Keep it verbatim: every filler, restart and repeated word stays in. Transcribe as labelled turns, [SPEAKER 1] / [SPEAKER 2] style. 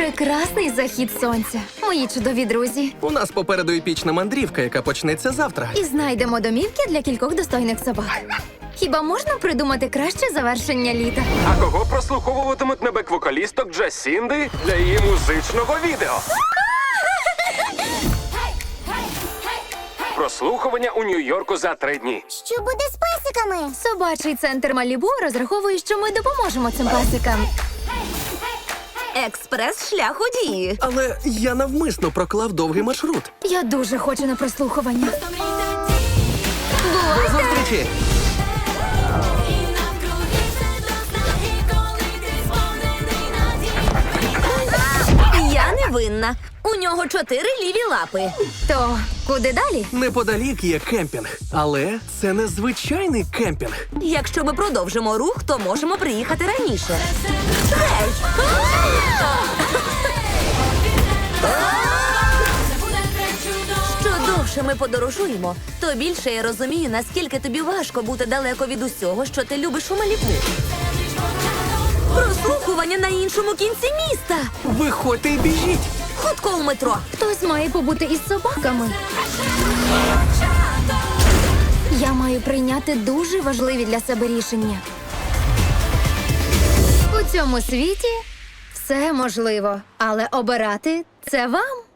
[SPEAKER 1] Прекрасний захід сонця, мої чудові друзі.
[SPEAKER 2] У нас попереду епічна мандрівка, яка почнеться завтра.
[SPEAKER 1] І знайдемо домівки для кількох достойних собак. Хіба можна придумати краще завершення літа?
[SPEAKER 3] А кого прослуховуватимуть на бек-вокалісток Джасінди для її музичного відео? Прослухування у Нью-Йорку за три дні.
[SPEAKER 4] Що буде з песиками?
[SPEAKER 1] Собачий центр Малібу розраховує, що ми допоможемо цим песикам.
[SPEAKER 5] Експрес-шлях у дії.
[SPEAKER 2] Але я навмисно проклав довгий маршрут.
[SPEAKER 1] Я дуже хочу на прослухування.
[SPEAKER 2] До зустрічі!
[SPEAKER 5] Я не винна. У нього чотири ліві лапи.
[SPEAKER 1] То куди далі?
[SPEAKER 2] Неподалік є кемпінг, але це не звичайний кемпінг.
[SPEAKER 5] Якщо ми продовжимо рух, то можемо приїхати раніше. Гей! Що довше ми подорожуємо, то більше я розумію, наскільки тобі важко бути далеко від усього, що ти любиш у Малібу. Прослухування на іншому кінці міста.
[SPEAKER 2] Виходьте і біжіть!
[SPEAKER 5] Хутко у метро.
[SPEAKER 1] Хтось має побути із собаками. Я маю прийняти дуже важливі для себе рішення. У цьому світі все можливо, але обирати – це вам.